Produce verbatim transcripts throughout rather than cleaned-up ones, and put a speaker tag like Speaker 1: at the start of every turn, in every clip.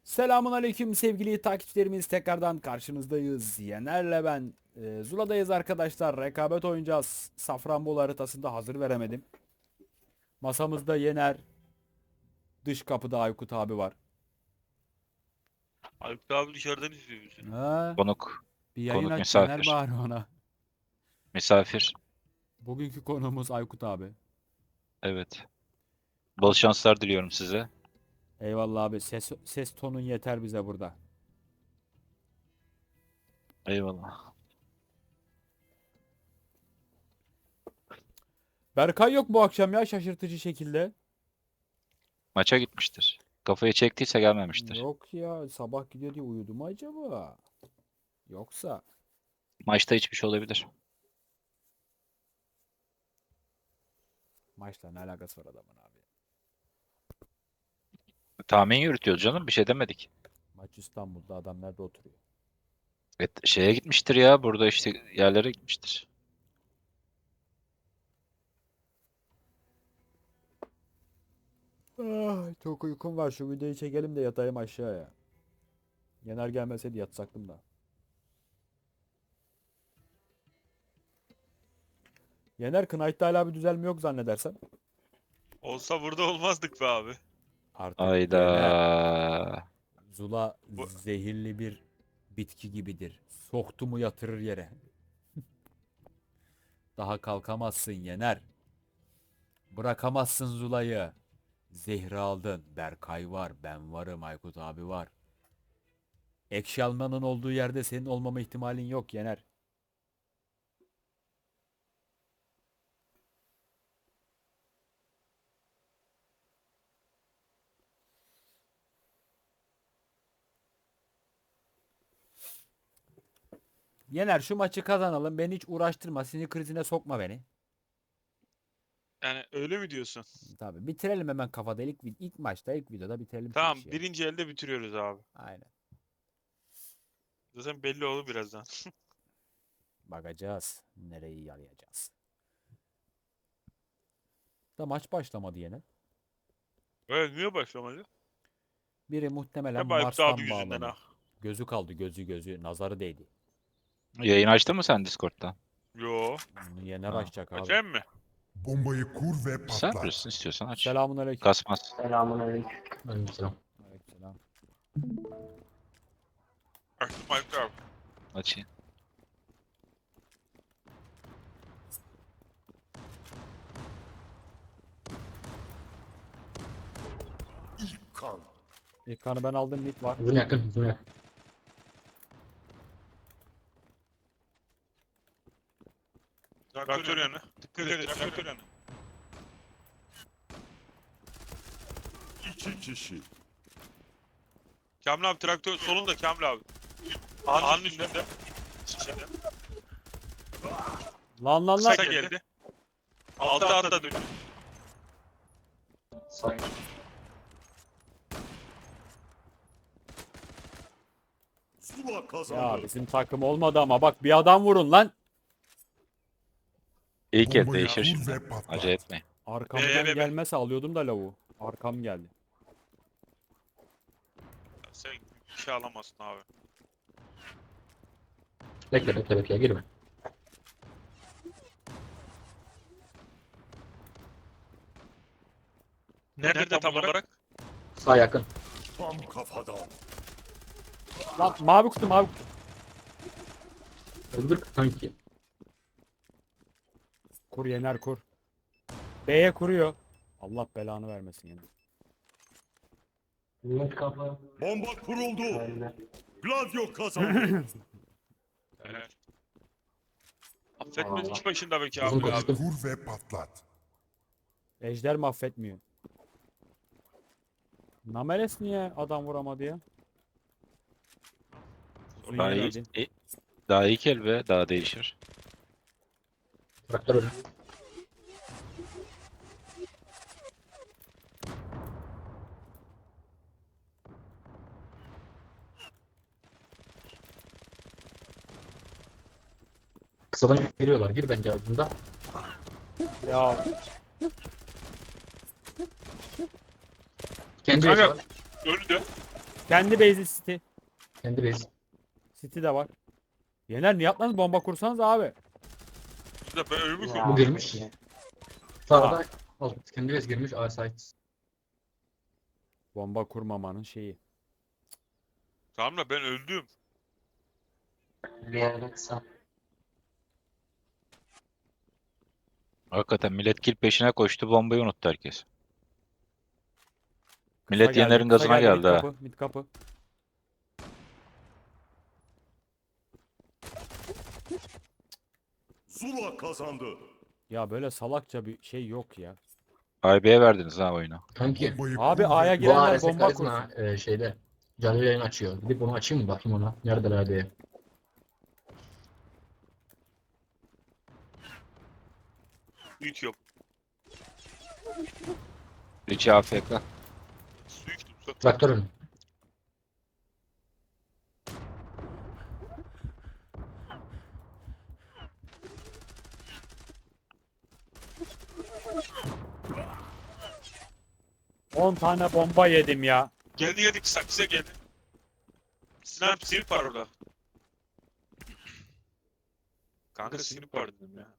Speaker 1: Selamun aleyküm sevgili takipçilerimiz, tekrardan karşınızdayız. Yener'le ben e, Zula'dayız arkadaşlar. Rekabet oynayacağız. Safranbolu haritasında hazır veremedim. Masamızda Yener, dış kapıda Aykut abi var.
Speaker 2: Aykut abi dışarıdan izliyor bizi.
Speaker 1: Ha,
Speaker 3: Konuk,
Speaker 1: bir yayın
Speaker 3: konuk
Speaker 1: aç Yener
Speaker 3: misafir.
Speaker 1: bari ona.
Speaker 3: Misafir.
Speaker 1: Bugünkü konuğumuz Aykut abi.
Speaker 3: Evet. Bol şanslar diliyorum size.
Speaker 1: Eyvallah abi, ses, ses tonun yeter bize burada.
Speaker 3: Eyvallah.
Speaker 1: Berkay yok bu akşam ya, şaşırtıcı şekilde.
Speaker 3: Maça gitmiştir. Kafayı çektiyse gelmemiştir.
Speaker 1: Yok ya, sabah gidiyor diye uyudu mu acaba? Yoksa...
Speaker 3: Maçta hiçbir şey olabilir.
Speaker 1: Maçla ne alakası var adamın abi?
Speaker 3: Tahmin yürütüyoruz canım. Bir şey demedik.
Speaker 1: Maç İstanbul'da, adam nerede oturuyor?
Speaker 3: Evet, şeye gitmiştir ya. Burada işte yerlere gitmiştir.
Speaker 1: Ah, çok uykum var. Şu videoyu çekelim de yatayım aşağıya. Yener gelmeseydi yatsaktım da. Yener, Knight'ta hala bir düzelme yok zannedersem.
Speaker 2: Olsa burada olmazdık be abi.
Speaker 1: Artık
Speaker 3: Ayda.
Speaker 1: Yener, Zula
Speaker 2: Bu-
Speaker 1: zehirli bir bitki gibidir. Soktu mu yatırır yere. Daha kalkamazsın Yener. Bırakamazsın Zula'yı. Zehri aldın. Berkay var. Ben varım. Aykut abi var. Ekşi Alman'ın olduğu yerde senin olmama ihtimalin yok Yener. Yener, şu maçı kazanalım. Beni hiç uğraştırma. Sinir krizine sokma beni.
Speaker 2: Yani öyle mi diyorsun?
Speaker 1: Tabii bitirelim hemen kafada. İlk, ilk maçta, ilk videoda bitirelim şu
Speaker 2: Tamam,
Speaker 1: işi ya.
Speaker 2: birinci elde bitiriyoruz abi.
Speaker 1: Aynen.
Speaker 2: Zaten belli olur birazdan.
Speaker 1: Bakacağız. Nereyi yalayacağız. Da maç başlamadı yine.
Speaker 2: Evet, niye başlamadı?
Speaker 1: Biri muhtemelen
Speaker 2: Hep Aykut abi
Speaker 1: Mars'tan
Speaker 2: yüzünden
Speaker 1: bağlanıyor.
Speaker 2: ha.
Speaker 1: Gözü kaldı, gözü gözü. Nazarı değdi.
Speaker 3: Yayın açtın mı sen Discord'dan?
Speaker 2: Yo.
Speaker 1: Bunu Yener
Speaker 3: Ha.
Speaker 1: açacak abi.
Speaker 2: Açayım mı?
Speaker 4: Bombayı kur ve
Speaker 3: Sen
Speaker 4: patlat.
Speaker 3: bilirsin, istiyorsan aç.
Speaker 1: Selamun aleyküm.
Speaker 3: Kasmaz.
Speaker 1: Aleykümselam.
Speaker 2: Açtım Aykut abi.
Speaker 3: Açayım.
Speaker 4: İlk kan.
Speaker 1: İlk kanı ben aldım, mid var.
Speaker 5: Uzun yakın, uzun yakın.
Speaker 2: Traktör yanı. Dikkat et, traktör yanı.
Speaker 4: İki kişi.
Speaker 2: Kamil abi traktör solunda Kamil abi. Ağanın üstünde. İçinde.
Speaker 1: Lan lan lan.
Speaker 2: Kısa geldi. Altta altta dönüyor.
Speaker 5: Sağ.
Speaker 4: Zula kazandı.
Speaker 1: Ya bizim takım olmadı ama bak, bir adam vurun lan.
Speaker 3: İlk el
Speaker 4: Bombayı
Speaker 3: değişir
Speaker 4: kur
Speaker 3: şimdi.
Speaker 4: ve patlat.
Speaker 3: Acele etmeyin.
Speaker 1: Arkamdan
Speaker 2: Be, be, be.
Speaker 1: gelmese alıyordum da lavuğu. Arkam geldi.
Speaker 2: Sen bir şey alamazsın abi.
Speaker 5: Bekle, bekle, bekle, girme.
Speaker 2: Nerede, tam olarak?
Speaker 5: Sağ yakın.
Speaker 4: Tam kafadan.
Speaker 1: Lan mavi kutu, mavi kutu.
Speaker 5: Öldür kanki.
Speaker 1: Kur Yener, kur. B'ye kuruyor. Allah belanı vermesin Yener.
Speaker 5: Net kafa.
Speaker 4: Bomba kuruldu. Gladio kazandı.
Speaker 2: Evet. Affetmez iş başında be
Speaker 5: Uzun
Speaker 2: Kamil abi.
Speaker 5: konuştum.
Speaker 4: Kur ve patlat.
Speaker 1: Ejder mahvetmiyor. Nameles niye adam vuramadı ya? Uzun
Speaker 3: Daha, iyi,
Speaker 1: yerdeydi.
Speaker 3: i- daha ilk el ve daha değişir.
Speaker 5: Traktör ölü. Kısadan geliyorlar. Gir bence ardında.
Speaker 1: Ya
Speaker 5: Kendi
Speaker 2: Kanka.
Speaker 5: yaşar.
Speaker 2: Öldü.
Speaker 1: Kendi base'i City.
Speaker 5: Kendi base.
Speaker 1: City de var. Yener niye atladınız? Bomba kursanız abi.
Speaker 2: Biz de ben ölümü
Speaker 5: Bu
Speaker 2: koydum.
Speaker 5: girmiş. Sağda alt kendi base girmiş. A site.
Speaker 1: Bomba kurmamanın şeyi.
Speaker 2: Tamam da ben öldüm.
Speaker 6: Bir yerde kısa.
Speaker 3: Hakikaten millet kill peşine koştu, bombayı unuttu herkes.
Speaker 1: Kısa
Speaker 3: Millet
Speaker 1: geldi,
Speaker 3: Yener'in
Speaker 1: kısa
Speaker 3: gazına
Speaker 1: geldi,
Speaker 3: geldi
Speaker 1: mid
Speaker 3: ha.
Speaker 1: kapı, mid kapı.
Speaker 4: Zula kazandı.
Speaker 1: Ya böyle salakça bir şey yok ya.
Speaker 3: I B'ye verdiniz ha oyunu.
Speaker 5: Kanki.
Speaker 4: Bombayı
Speaker 1: Abi
Speaker 4: kur ve
Speaker 1: A'ya
Speaker 5: Bu
Speaker 1: girenler
Speaker 5: A R S
Speaker 1: bomba
Speaker 5: karizma
Speaker 1: kursun.
Speaker 5: e, şeyde. Canlı yayın açıyor. Gidip bunu açayım mı bakayım ona. Neredeler diye.
Speaker 2: Hiç yok.
Speaker 3: Richie A F K.
Speaker 2: Su içtim. Su.
Speaker 5: Traktör önü.
Speaker 1: on tane bomba yedim ya.
Speaker 2: Geldi geldi kısa kısa geldi. Snap sinip var orada. Kanka sinip var dedim ya.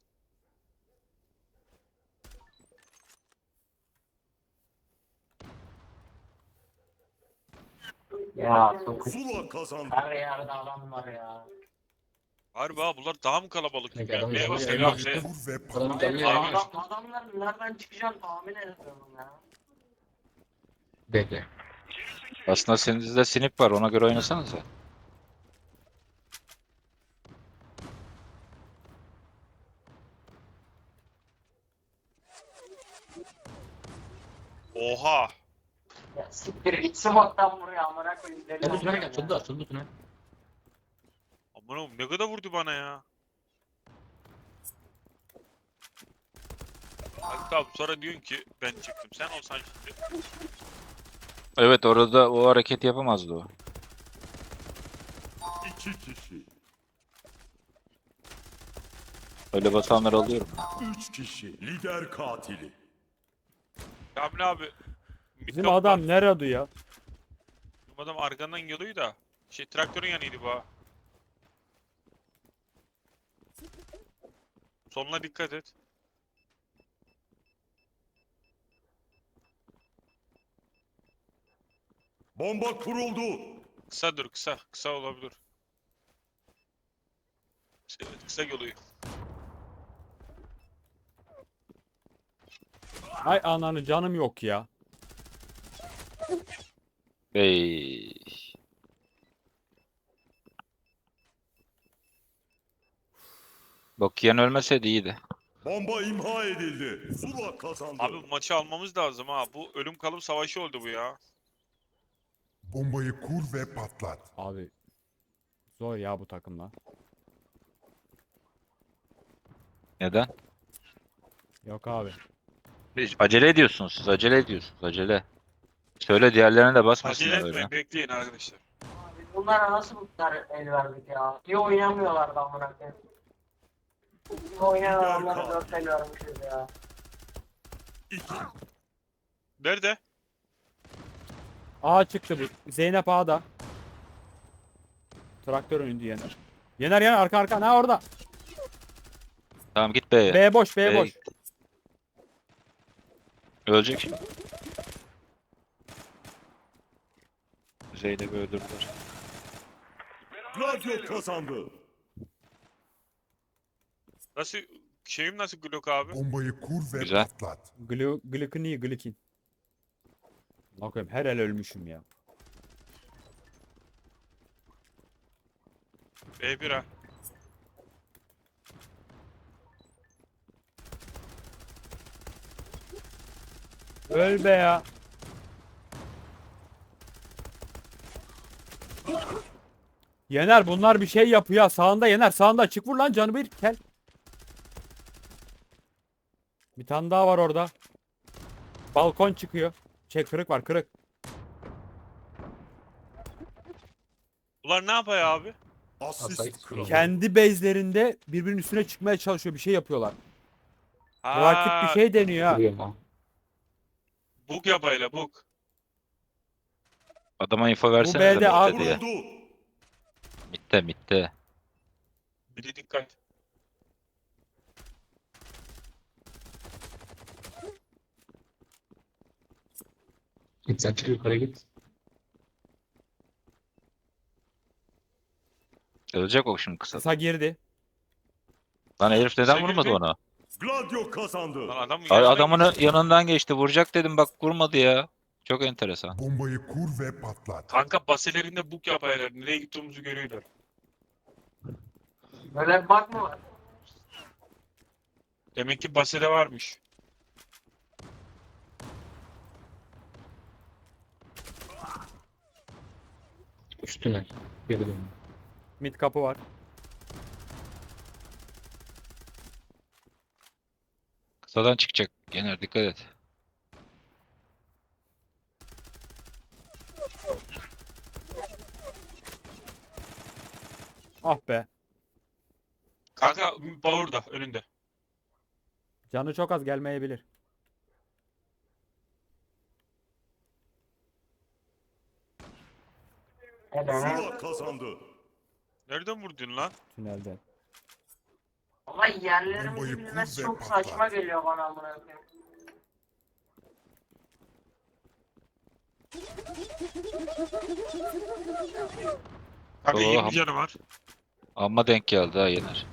Speaker 6: Ya çok
Speaker 4: Zula kazandı.
Speaker 6: her yerde adam var ya.
Speaker 2: Harbi ha bunlar daha mı kalabalık
Speaker 5: Ne
Speaker 2: gibi ya?
Speaker 5: adam
Speaker 2: Neye
Speaker 5: canlı
Speaker 2: basıyor
Speaker 5: yayın
Speaker 2: ya? Şey,
Speaker 5: açtı.
Speaker 4: Kur ve
Speaker 5: Adamın
Speaker 4: patlat.
Speaker 5: canlı yayın
Speaker 2: Abi.
Speaker 5: açtı.
Speaker 6: Adam, adamlar nereden çıkacağını tahmin edemiyorum ya.
Speaker 5: Bekle.
Speaker 3: Aslında sizde sinip var, ona göre oynasanıza.
Speaker 2: Oha.
Speaker 6: Ya siktir git smoke'tan buraya amına koyayım. Deli
Speaker 5: Gel bu tünele
Speaker 6: olacağım
Speaker 5: gel.
Speaker 6: ya.
Speaker 5: Açıldı açıldı tünel.
Speaker 2: Aman oğlum ne kadar vurdu bana ya. Hatta abi sonra diyorsun ki ben çıktım. Sen olsan şimdi.
Speaker 3: Evet, orada o hareketi yapamazdı o.
Speaker 4: İki kişi.
Speaker 3: Öyle basanları alıyorum.
Speaker 4: Üç kişi. Lider katili.
Speaker 2: Kamil abi.
Speaker 1: Bizim
Speaker 2: mikrofon-
Speaker 1: adam nerede ya?
Speaker 2: Bizim adam arkandan geliyor da. Şey traktörün yanıydı bu ha. Soluna dikkat et.
Speaker 4: Bomba kuruldu.
Speaker 2: Kısa dur kısa. Kısa olabilir. Evet kısa geliyor.
Speaker 1: Ay ananı canım yok ya.
Speaker 3: Hey. Bokiyen ölmeseydi iyiydi.
Speaker 4: Bomba imha edildi. Zula kazandı.
Speaker 2: Abi bu maçı almamız lazım ha. Bu ölüm kalım savaşı oldu bu ya.
Speaker 4: Bombayı kur ve patlat.
Speaker 1: Abi zor ya bu takımla.
Speaker 3: Neden?
Speaker 1: Yok abi.
Speaker 3: Hiç acele ediyorsunuz siz, acele ediyorsunuz, acele. Söyle diğerlerine de basmasınlar
Speaker 2: Acele
Speaker 3: öyle.
Speaker 2: etmeyin bekleyin arkadaşlar.
Speaker 6: Biz bunlara nasıl bu kadar el verdik ya? İyi oynamıyorlar da amına koyayım. İyi oynayan
Speaker 4: Lider
Speaker 6: adamlara
Speaker 4: kaldı.
Speaker 6: dört el vermişiz ya.
Speaker 4: İki.
Speaker 2: Nerede?
Speaker 1: A çıktı bu. Zeynep A'da. Traktör önündü Yener. Yener Yener arka arka ne orada?
Speaker 3: Tamam git B'ye.
Speaker 1: B boş B
Speaker 3: B'ye
Speaker 1: boş.
Speaker 3: git. Ölecek şimdi. Zeynep'i öldürdüler.
Speaker 4: Gladio kazandı.
Speaker 2: Nasıl şeyim nasıl Glock abi?
Speaker 4: Bombayı kur ve
Speaker 3: Güzel.
Speaker 4: patlat.
Speaker 1: Glu Glıkın iyi Glıkin. Bakayım her el ölmüşüm ya.
Speaker 2: B bir ha.
Speaker 1: Öl be ya. Yener bunlar bir şey yapıyor. Sağında Yener sağında çık vur lan canı bir kel. Bir tane daha var orada. Balkon çıkıyor. Şey kırık var kırık.
Speaker 2: Bunlar ne yapıyor abi?
Speaker 4: Asist
Speaker 5: Asist.
Speaker 4: kralı.
Speaker 1: Kendi base'lerinde birbirinin üstüne çıkmaya çalışıyor. Bir şey yapıyorlar. Rakip bir
Speaker 2: Ha,
Speaker 1: şey deniyor ha.
Speaker 5: Biliyorum ha.
Speaker 2: bug yapayla bug.
Speaker 3: Adama info
Speaker 1: B'de
Speaker 3: versene de
Speaker 1: abi-
Speaker 3: mitte diye.
Speaker 4: Kuruldu.
Speaker 3: Mitte mitte.
Speaker 2: Bir de dikkat.
Speaker 5: Git sen çık yukarı git.
Speaker 3: Ölecek o şimdi kısa.
Speaker 1: Kısa girdi.
Speaker 3: Lan herif neden
Speaker 2: Kısa
Speaker 3: vurmadı
Speaker 2: girdi.
Speaker 3: onu?
Speaker 4: Gladio kazandı.
Speaker 2: Lan adam
Speaker 3: Ay,
Speaker 2: yanına
Speaker 3: adamın
Speaker 2: geçti.
Speaker 3: yanından geçti. Vuracak dedim bak vurmadı ya. Çok enteresan.
Speaker 4: Bombayı kur ve patlat.
Speaker 2: Kanka baselerinde buk yapaylar. Nereye gittiğimizi görüyorlar.
Speaker 6: Böyle bir bug mı var?
Speaker 2: Demek ki basede varmış.
Speaker 5: Üstüne. Geri dön.
Speaker 1: Mid kapı var.
Speaker 3: Kısadan çıkacak. Yener dikkat et.
Speaker 1: Ah be.
Speaker 2: Kanka Power'da önünde.
Speaker 1: Canı çok az gelmeyebilir.
Speaker 6: Edene.
Speaker 4: Zula kazandı.
Speaker 2: Nereden vurdun lan?
Speaker 1: Tünelden.
Speaker 6: Ama yerlerimizi
Speaker 4: Bombayı
Speaker 6: bilmesi
Speaker 4: kur ve
Speaker 6: çok
Speaker 4: patlat.
Speaker 6: saçma geliyor bana amına koyayım.
Speaker 2: Kanka
Speaker 3: Oo,
Speaker 2: yirmi
Speaker 3: ham-
Speaker 2: canı var.
Speaker 3: Amma denk geldi ha Yener.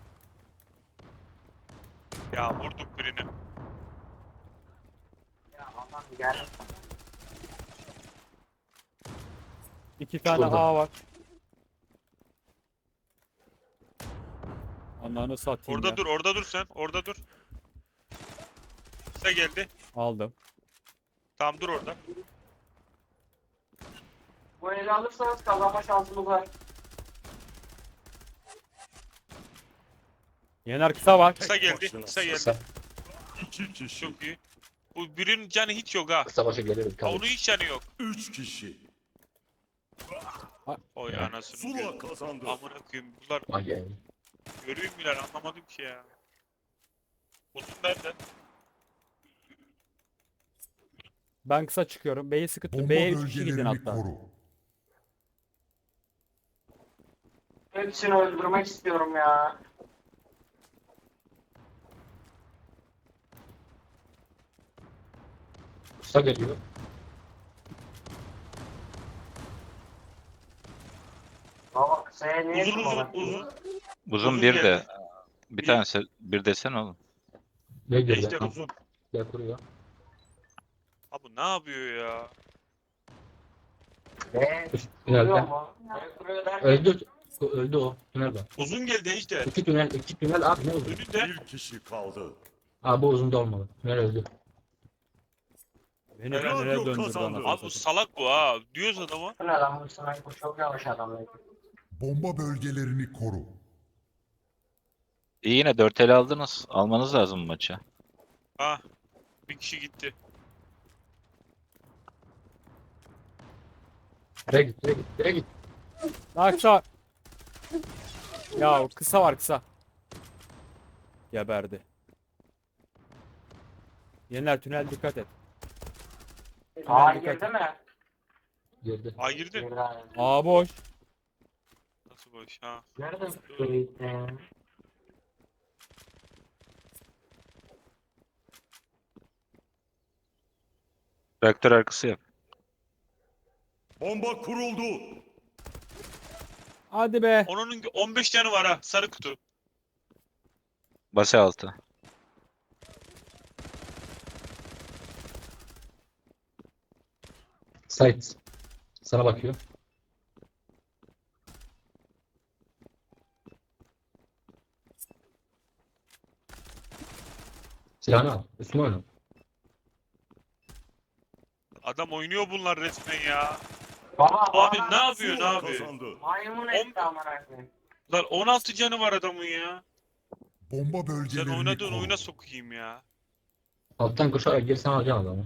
Speaker 2: Ya vurduk birini.
Speaker 6: Ya aman gel.
Speaker 1: İki tane
Speaker 5: Şurada.
Speaker 1: A var. Ananı satayım
Speaker 2: Orada
Speaker 1: ya.
Speaker 2: dur, orada dur sen. Orada dur. Kısa geldi.
Speaker 1: Aldım.
Speaker 2: Tamam dur orada.
Speaker 6: Bu eli alırsanız kazanma şansımız var.
Speaker 1: Yener kısa var.
Speaker 2: Kısa geldi.
Speaker 4: başına.
Speaker 2: Kısa geldi.
Speaker 5: Kısa.
Speaker 4: İki kişi.
Speaker 2: Çok iyi. Bu birinin canı hiç yok ha.
Speaker 5: Kısa başa gelir.
Speaker 2: Ha,
Speaker 5: Kalır.
Speaker 2: onun hiç canı yok.
Speaker 4: Üç kişi.
Speaker 2: Oy
Speaker 5: Ya.
Speaker 2: anasını.
Speaker 4: Zula
Speaker 2: gö-
Speaker 4: kazandı.
Speaker 2: Amına koyayım. Bunlar
Speaker 5: Ay yani.
Speaker 2: görüyor mular anlamadım ki ya. Uzun nerede?
Speaker 1: Ben kısa çıkıyorum. B'yi sıkıttım.
Speaker 4: Bomba
Speaker 1: B'ye üç kişi gidin
Speaker 4: bölgelerini
Speaker 1: hatta.
Speaker 4: koru.
Speaker 6: Hepsini öldürmek istiyorum ya.
Speaker 5: Kısa geliyor.
Speaker 6: Baba kısaya niye
Speaker 2: Uzun uzun
Speaker 6: tutmadın?
Speaker 2: uzun.
Speaker 3: Uzun
Speaker 2: Uzun
Speaker 3: bir
Speaker 2: geldi.
Speaker 3: de. Bir
Speaker 2: Bir-
Speaker 3: tanesi bir desen oğlum.
Speaker 5: Ne geliyor?
Speaker 2: Ejder
Speaker 5: Tamam.
Speaker 2: uzun.
Speaker 5: Gel kuruyor.
Speaker 2: Abi ne yapıyor ya?
Speaker 6: Eee
Speaker 5: Üst
Speaker 6: kuruyor
Speaker 5: tünelden.
Speaker 6: mu? Ne kuruyor derken?
Speaker 5: Öldü. Öldü o. Tünel var.
Speaker 2: Uzun geldi Ejder.
Speaker 5: İki tünel. iki tünel abi ne oldu?
Speaker 2: Önünde.
Speaker 4: Bir kişi kaldı.
Speaker 5: Abi bu uzun da olmalı. Tünel öldü.
Speaker 1: Beni
Speaker 2: Helal
Speaker 1: nereye
Speaker 4: yok,
Speaker 1: döndürdü
Speaker 4: kazandı.
Speaker 1: anasını
Speaker 2: Abi bu
Speaker 1: satayım.
Speaker 2: salak bu ha. Diyoruz adama.
Speaker 6: Bu ne lan bu sniper çok yavaş adam. ya.
Speaker 4: Bomba bölgelerini koru.
Speaker 3: İyi yine dört ele aldınız. Almanız lazım bu maçı.
Speaker 2: Ha. Bir kişi gitti.
Speaker 5: Direkt git. Direkt git. Direkt git.
Speaker 1: Daha kısa. Ya kısa var kısa. Geberdi. Yener tünel dikkat et.
Speaker 6: Aa
Speaker 1: dikkat
Speaker 6: girdi
Speaker 1: et.
Speaker 6: mi?
Speaker 5: Girdi.
Speaker 2: Ha girdi.
Speaker 6: Girdi abi.
Speaker 1: A boş.
Speaker 2: Nasıl boş ha?
Speaker 6: Nerede girdi?
Speaker 3: Reaktör arkası yap.
Speaker 4: Bomba kuruldu.
Speaker 1: Hadi be.
Speaker 2: Onun on beş canı var ha. Sarı kutu.
Speaker 3: Base altı.
Speaker 5: Sait. Sana bakıyor. Silahını al. Üstüne oyna.
Speaker 2: Adam oynuyor bunlar resmen ya.
Speaker 6: Baba
Speaker 2: Abi
Speaker 6: bana
Speaker 2: ne yapıyor ne
Speaker 4: Zula
Speaker 2: yapıyor?
Speaker 4: kazandı.
Speaker 6: maymun etti amına koyayım.
Speaker 2: Lan on altı canı var adamın ya.
Speaker 4: Bomba
Speaker 2: Sen
Speaker 4: bölgelerini
Speaker 2: oynadığın
Speaker 4: koru.
Speaker 2: oyuna sokayım ya.
Speaker 5: Alttan koşarak girsen alacaksın adamı.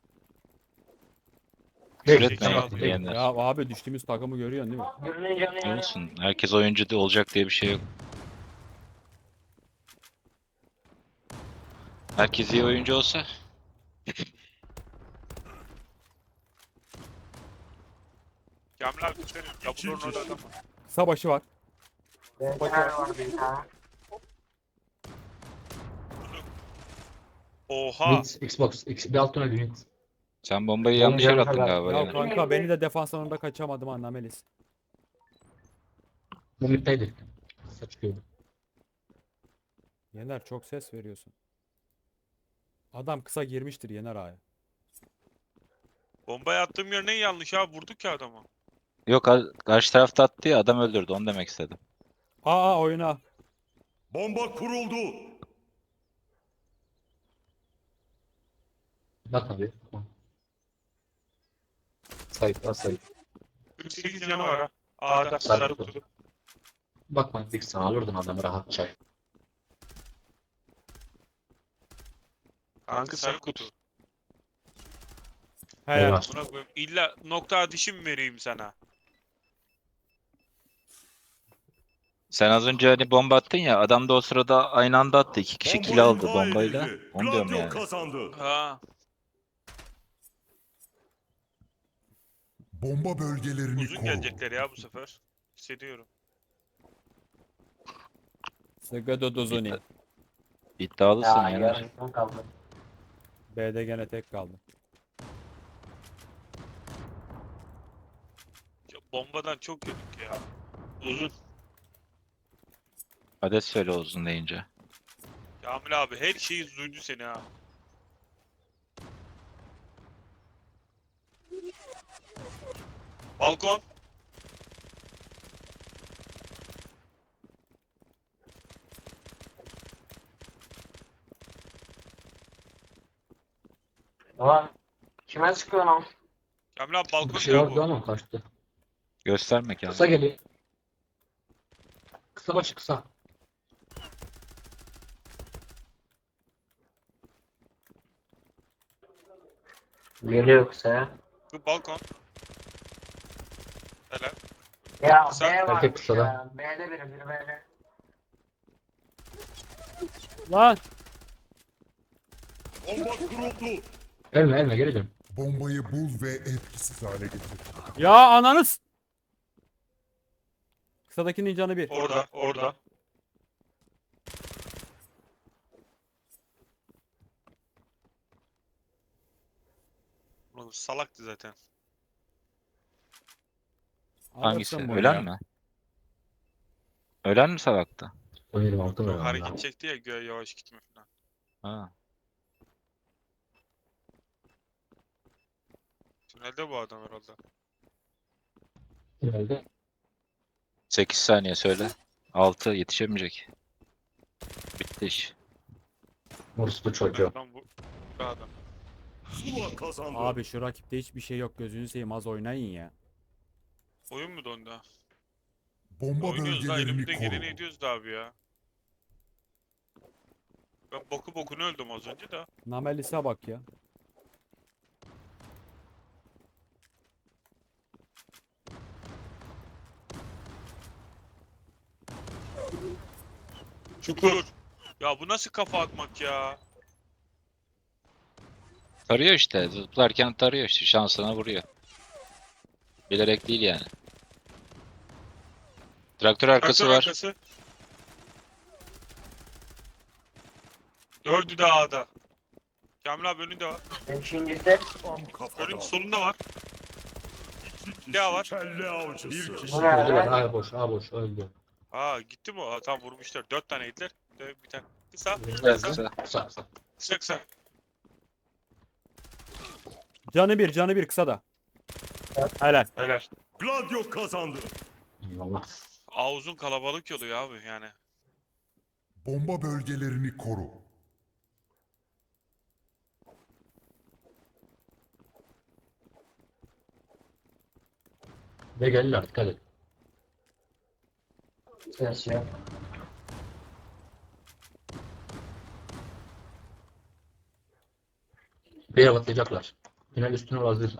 Speaker 3: Küfür
Speaker 5: Direkt
Speaker 2: etmeyin
Speaker 5: sana
Speaker 2: abi.
Speaker 5: direkt.
Speaker 3: Yener.
Speaker 1: Ya abi düştüğümüz takımı görüyorsun değil mi?
Speaker 6: Birinin canı yanıyor.
Speaker 3: Olsun. Herkes oyuncu da olacak diye bir şey yok. Herkes iyi oyuncu olsa
Speaker 2: Kamil abi senin. Yapılır orada adam var.
Speaker 1: Kısa başı var.
Speaker 6: Benzer var bir tane.
Speaker 2: Oha.
Speaker 5: Mid, Xbox, X, bir alt tünel mid.
Speaker 3: Sen bombayı yanlış yere attın galiba
Speaker 1: Ya
Speaker 3: ya.
Speaker 1: kanka beni de defans alanında kaçamadım anlamelis.
Speaker 5: Bu middeydi. Kısa çıkıyordu.
Speaker 1: Yener çok ses veriyorsun. Adam kısa girmiştir Yener abi.
Speaker 2: Bombayı attığım yer ne yanlış abi, vurduk ya adamı.
Speaker 3: Yok a- karşı tarafta attı ya adam öldürdü onu demek istedim.
Speaker 1: Aa oyuna.
Speaker 4: Bomba kuruldu.
Speaker 5: Bak abi. Sayıp var sayıp.
Speaker 2: kırk sekiz canı var ha. A'da sarı kutu.
Speaker 5: Bakma dik sana alırdın adamı rahatça.
Speaker 2: Kanka sarı kutu.
Speaker 1: Helal.
Speaker 5: Eyvah.
Speaker 2: Buna koyayım. İlla nokta atışı mı vereyim sana?
Speaker 3: Sen az önce hani bomba attın ya adam da o sırada aynı anda attı. İki kişi
Speaker 4: Bomba
Speaker 3: kill aldı
Speaker 4: imha
Speaker 3: bombayla.
Speaker 4: edildi.
Speaker 3: Onu diyorum
Speaker 4: Gladio
Speaker 3: yani.
Speaker 4: kazandı.
Speaker 2: Ha.
Speaker 4: Bomba bölgelerini
Speaker 2: Uzun
Speaker 4: koru.
Speaker 2: gelecekler ya bu sefer. Hissediyorum.
Speaker 1: Sıgıdı duzuni.
Speaker 3: İddialısın
Speaker 6: Ya
Speaker 3: Yener.
Speaker 6: yarısın kaldı.
Speaker 1: B'de gene tek kaldı.
Speaker 2: Ya bombadan çok yedik ya. Uzun.
Speaker 3: Adet söyle uzun deyince.
Speaker 2: Kamil abi her şeyi duydu seni ha. Balkon.
Speaker 6: Ulan kime sıkıyorsun lan?
Speaker 2: Kamil abi balkon
Speaker 5: Bir şey
Speaker 2: ya
Speaker 5: vardı
Speaker 2: bu.
Speaker 5: ama kaçtı.
Speaker 3: Göstermek yani.
Speaker 5: Kısa geliyor. Kısa başı kısa.
Speaker 6: Geliyor kısa ya.
Speaker 2: Bu balkon. Helal.
Speaker 6: Ya
Speaker 2: Kısa.
Speaker 6: B var
Speaker 5: kısada.
Speaker 6: ya. B'de biri biri B'de.
Speaker 1: Lan
Speaker 4: Bomba kuruldu.
Speaker 5: Elme elme geri dön.
Speaker 4: Bombayı bul ve etkisiz hale getir.
Speaker 1: ya ananız. Kısadakinin canı bir.
Speaker 2: Orada, orada. Oğlum salaktı zaten.
Speaker 3: Hangisi?
Speaker 1: Alırsın bunu
Speaker 3: Ölen
Speaker 1: ya.
Speaker 3: mi? Ölen mi salaktı?
Speaker 5: on yedi altı var
Speaker 2: Hareket
Speaker 5: herhalde.
Speaker 2: çekti ya göğe yavaş gitme falan.
Speaker 3: Ha.
Speaker 2: Tünelde bu adam herhalde.
Speaker 5: Herhalde.
Speaker 3: sekiz saniye söyle. altı yetişemeyecek. Bitti iş.
Speaker 5: Moruslu çocuğu.
Speaker 2: Adam bu. Bu adam.
Speaker 4: Zula kazandı.
Speaker 1: Abi şu rakipte hiçbir şey yok gözünü seveyim az oynayın ya.
Speaker 2: Oyun mu dondu? ha?
Speaker 4: Bomba
Speaker 2: Oynuyoruz da
Speaker 4: bölgelerini
Speaker 2: elimizden geleni
Speaker 4: koru.
Speaker 2: ediyoruz da abi ya. Ben boku bokunu öldüm az önce de.
Speaker 1: Namelis'e bak ya.
Speaker 2: Çukur. Ya bu nasıl kafa atmak ya?
Speaker 3: Tarıyor işte. Zıplarken tarıyor işte. Şansına vuruyor. Bilerek değil yani. Traktör arkası
Speaker 2: Traktör
Speaker 3: var.
Speaker 2: arkası. Dördü de A'da. Kamil abi önünde var.
Speaker 6: Beşincisi.
Speaker 4: Tam kafadan.
Speaker 2: Önün solunda var.
Speaker 4: İki kişi
Speaker 2: Ne var?
Speaker 4: kelle avcısı. Bir kişi.
Speaker 6: Bu ne
Speaker 5: Öldüler.
Speaker 6: lan?
Speaker 5: A boş A boş öldü.
Speaker 2: Aa gitti mi o? Ha, tamam vurmuşlar. Dört tane yediler. Bir tane. Kısa.
Speaker 3: Evet,
Speaker 2: Kısa.
Speaker 3: kısa.
Speaker 5: Kısa kısa.
Speaker 2: Kısa kısa.
Speaker 1: Canı bir canı bir kısa da. Helal.
Speaker 2: Helal.
Speaker 4: Gladio kazandı.
Speaker 5: Eyvallah.
Speaker 2: A uzun kalabalık oluyor abi yani.
Speaker 4: Bomba bölgelerini koru.
Speaker 5: Ve geldiler dikkat et.
Speaker 6: Ses yok.
Speaker 5: Bir yere atlayacaklar. Final üstüne vazgeç.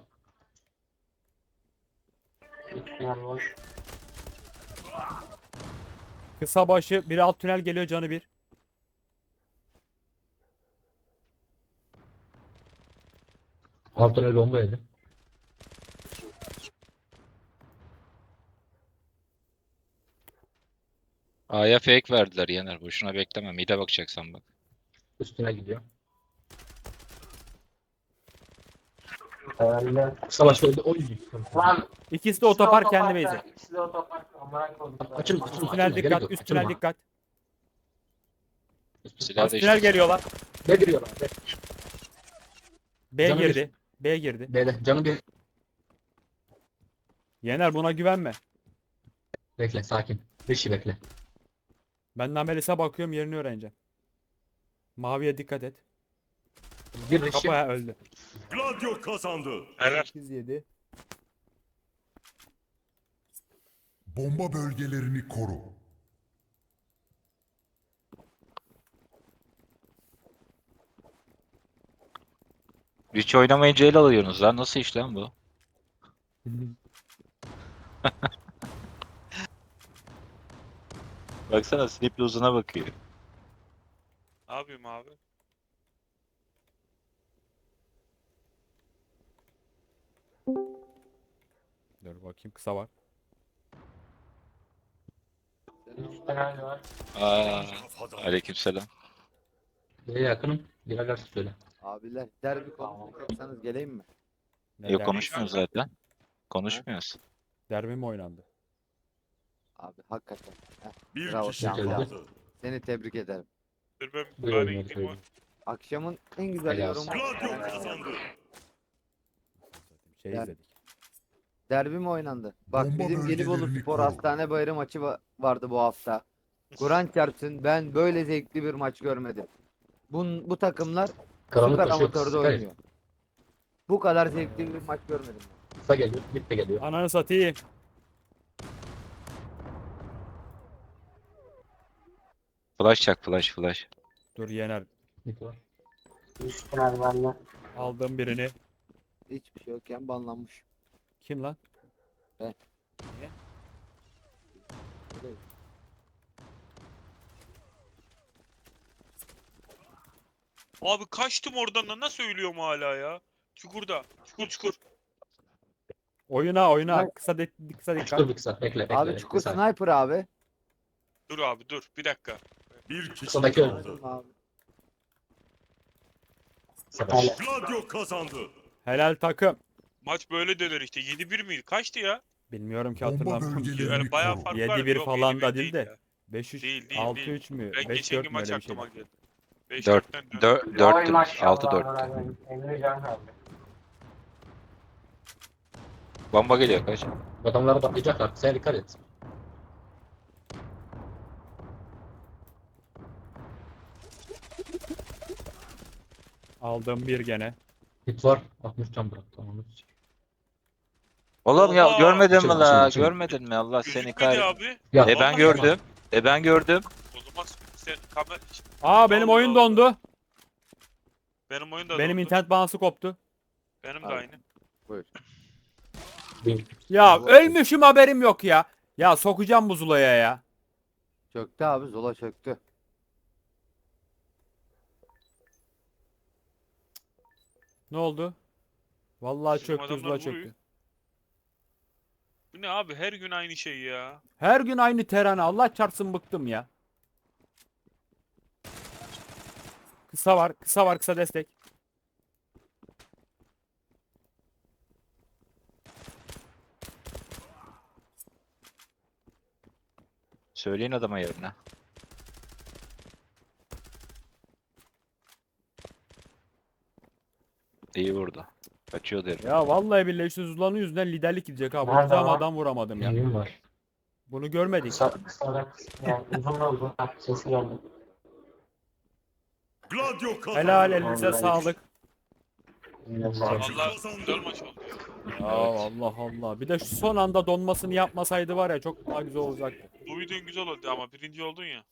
Speaker 6: Yan boş.
Speaker 1: Kısa başı bir alt tünel geliyor canı bir.
Speaker 5: Alt tünel bomba yedi.
Speaker 3: A'ya fake verdiler Yener. Boşuna bekleme. Mid'e bakacaksan bak.
Speaker 5: Üstüne gidiyor.
Speaker 6: Herhalde.
Speaker 5: Savaş öldü. Oy.
Speaker 6: Lan
Speaker 1: İkisi de otopark kendi
Speaker 6: base'i.
Speaker 1: base'i.
Speaker 6: İkisi de otopark. Amına koydum.
Speaker 5: Açılma, açılma.
Speaker 1: Üst tünel
Speaker 5: Gerek
Speaker 1: dikkat,
Speaker 5: yok,
Speaker 1: üst tünel
Speaker 5: açılma.
Speaker 1: dikkat.
Speaker 3: Silah
Speaker 1: Üst tünel
Speaker 3: değiştir.
Speaker 1: geliyorlar.
Speaker 5: Ne giriyorlar? Be.
Speaker 1: B
Speaker 5: Canı
Speaker 1: girdi. B girdi.
Speaker 5: B'de. Canı bir.
Speaker 1: Yener buna güvenme.
Speaker 5: Bekle sakin. Bir şey bekle.
Speaker 1: Ben Namelis'e bakıyorum yerini öğreneceğim. Maviye dikkat et.
Speaker 5: Bir Rişi.
Speaker 1: Kapaya öldü.
Speaker 4: Gladio kazandı.
Speaker 2: Helal.
Speaker 1: sekiz yedi.
Speaker 4: Bomba bölgelerini koru.
Speaker 3: Hiç oynamayınca el alıyorsunuz lan. Nasıl iş lan bu? Baksana Snip'le uzuna bakıyor.
Speaker 2: Ne yapayım abi?
Speaker 1: Dur bakayım kısa var.
Speaker 6: Üst tünel var.
Speaker 3: Aa,
Speaker 4: Kafadan.
Speaker 3: aleykümselam.
Speaker 5: B'ye yakınım. Girerlerse söyle.
Speaker 7: Abiler derbi konuşacaksanız geleyim mi?
Speaker 1: Ne
Speaker 3: Yok
Speaker 1: derbi?
Speaker 3: konuşmuyoruz zaten. Konuşmuyoruz.
Speaker 1: Derbi mi oynandı?
Speaker 7: Abi hakikaten. Heh,
Speaker 4: Bir
Speaker 7: Bravo,
Speaker 4: kişi
Speaker 5: Şampiyon.
Speaker 4: kaldı.
Speaker 7: seni tebrik ederim.
Speaker 2: Dur ben
Speaker 5: Buyur
Speaker 2: bari
Speaker 5: oynuyor,
Speaker 2: gideyim o.
Speaker 5: buyur.
Speaker 7: Akşamın en güzel
Speaker 5: Helal
Speaker 7: yorumu.
Speaker 4: Gladio kazandı.
Speaker 1: Şey
Speaker 7: Ya-
Speaker 1: izledik.
Speaker 7: Derbi mi oynandı? Bak
Speaker 4: Bomba
Speaker 7: bizim Gelibolu
Speaker 4: bölgelerini
Speaker 7: Spor
Speaker 4: koru.
Speaker 7: Hastane Bayırı maçı va- vardı bu hafta. Kur'an çarpsın ben böyle zevkli bir maç görmedim. Bu, bu takımlar
Speaker 5: Karanlık
Speaker 7: süper
Speaker 5: taşıyor.
Speaker 7: amatörde
Speaker 5: Süper.
Speaker 7: oynuyor. Bu kadar zevkli bir maç görmedim.
Speaker 5: Kısa geliyor. Mid de geliyor.
Speaker 1: Ananı satayım.
Speaker 3: Flash çak flash flash.
Speaker 1: Dur Yener.
Speaker 5: Mid var.
Speaker 6: Üst tünel bende.
Speaker 1: Aldım birini.
Speaker 7: Hiçbir şey yokken banlanmış.
Speaker 1: Kim lan?
Speaker 2: Abi kaçtım oradan da nasıl ölüyorum hala ya? Çukurda. Çukur çukur.
Speaker 1: Oyuna oyuna. Kısa, de, kısa dikkat.
Speaker 5: Çukur bir kısa. Bekle bekle.
Speaker 7: Abi
Speaker 5: bekle.
Speaker 7: çukur
Speaker 5: Kısa.
Speaker 7: sniper abi.
Speaker 2: Dur abi dur bir dakika.
Speaker 4: Bir kişi
Speaker 5: Kısadaki
Speaker 4: kaldı.
Speaker 7: Abi.
Speaker 5: Kısa baş.
Speaker 4: Gladio kazandı.
Speaker 1: Helal takım.
Speaker 2: Maç böyle döner işte. yedi bir miydi? Kaçtı ya?
Speaker 1: Bilmiyorum ki
Speaker 4: Bomba
Speaker 1: hatırlamıyorum.
Speaker 4: bölgelerini
Speaker 2: Yani bayağı
Speaker 4: koru.
Speaker 2: fark
Speaker 1: yedi
Speaker 2: var.
Speaker 1: bir
Speaker 2: Yok,
Speaker 1: falan
Speaker 2: yedi
Speaker 1: da
Speaker 2: bir
Speaker 1: değil de.
Speaker 2: ya.
Speaker 1: beş üç,
Speaker 2: Değil, değil,
Speaker 1: altı
Speaker 2: değil.
Speaker 1: üç mü?
Speaker 2: Ben
Speaker 1: beş
Speaker 2: geçenki
Speaker 1: dört mü
Speaker 2: maç
Speaker 1: öyle bir
Speaker 2: aklıma
Speaker 1: şeydi.
Speaker 2: geldi. beş
Speaker 3: Dört-
Speaker 2: dörtten döndü.
Speaker 3: Dört,
Speaker 6: Oy
Speaker 3: dörttü.
Speaker 6: maşallah.
Speaker 3: altı dört.
Speaker 6: Emre Can kaldı.
Speaker 3: Bomba geliyor kaç.
Speaker 5: Adamlara patlayacaklar. Sen dikkat et.
Speaker 1: Aldım bir gene.
Speaker 5: Mid var. altmış can bırak. Tamam.
Speaker 3: Oğlum ya
Speaker 2: Oha!
Speaker 3: görmedin mi
Speaker 5: Açılma,
Speaker 3: la?
Speaker 5: açılma, açılma.
Speaker 3: Görmedin mi? Allah seni
Speaker 2: Gözükmedi
Speaker 3: kahretsin.
Speaker 2: abi.
Speaker 5: Ya
Speaker 3: E ben
Speaker 2: Vallahi
Speaker 3: gördüm. E ben gördüm.
Speaker 2: O zaman sen kamera...
Speaker 1: Aa benim
Speaker 2: Allah
Speaker 1: oyun
Speaker 2: Allah.
Speaker 1: dondu.
Speaker 2: Benim oyun da
Speaker 1: Benim
Speaker 2: dondu.
Speaker 1: internet bağlantısı koptu.
Speaker 2: Benim de
Speaker 7: Abi.
Speaker 2: aynı.
Speaker 7: Buyur.
Speaker 5: bir.
Speaker 1: Ya
Speaker 7: Bu-
Speaker 1: ölmüşüm haberim yok ya. Ya sokacağım bu Zula'ya ya.
Speaker 7: Çöktü abi Zola çöktü.
Speaker 1: Ne oldu? Vallahi
Speaker 2: Bizim
Speaker 1: çöktü
Speaker 2: adamlar
Speaker 1: Zula
Speaker 2: vuruyor.
Speaker 1: çöktü.
Speaker 2: Bu ne abi her gün aynı şey ya.
Speaker 1: Her gün aynı terane. Allah çarpsın bıktım ya. Kısa var. Kısa var. Kısa destek.
Speaker 3: Söyleyin adama yerine. İyi vurdu. Kaçıyor derim.
Speaker 1: Ya vallahi billahi şu Zula'nın yüzünden liderlik gidecek ha.
Speaker 6: Nerede
Speaker 1: Vuracağım
Speaker 6: lan?
Speaker 1: adam vuramadım ya.
Speaker 5: Engin var.
Speaker 1: Bunu görmedik.
Speaker 6: Kısa, kısa, yani uzun da uzun. Ha, sesi geldi.
Speaker 4: Gladio kazandı.
Speaker 1: Helal elinize
Speaker 6: Vallahi.
Speaker 1: sağlık.
Speaker 2: Allah güzel maç oldu.
Speaker 1: Ya Allah Allah. Bir de şu son anda donmasını yapmasaydı var ya çok daha güzel olacaktı.
Speaker 2: Bu videon güzel oldu ama birinci oldun ya.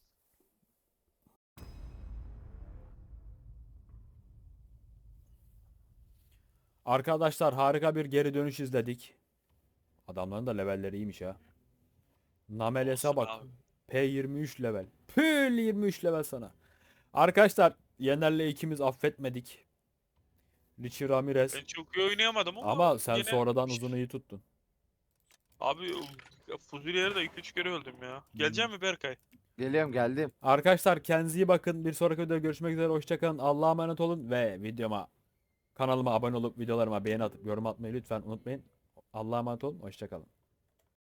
Speaker 1: Arkadaşlar harika bir geri dönüş izledik. Adamların da levelleri iyiymiş ha. Nameles'e
Speaker 2: Olsun
Speaker 1: bak.
Speaker 2: abi.
Speaker 1: P yirmi üç level. Pül yirmi üç level sana. Arkadaşlar Yener'le ikimiz affetmedik. Richie Ramirez.
Speaker 2: Ben çok iyi oynayamadım ama.
Speaker 1: Ama sen
Speaker 2: yine-
Speaker 1: sonradan uzunu iyi tuttun.
Speaker 2: Abi Fuzuli'lere de iki üç kere öldüm ya. Gelecek mi Berkay?
Speaker 7: Geliyorum geldim.
Speaker 1: Arkadaşlar kendinize iyi bakın. Bir sonraki videoda görüşmek üzere. Hoşçakalın. Allah'a emanet olun ve videoma kanalıma abone olup videolarıma beğeni atıp yorum atmayı lütfen unutmayın. Allah'a emanet olun. Hoşçakalın.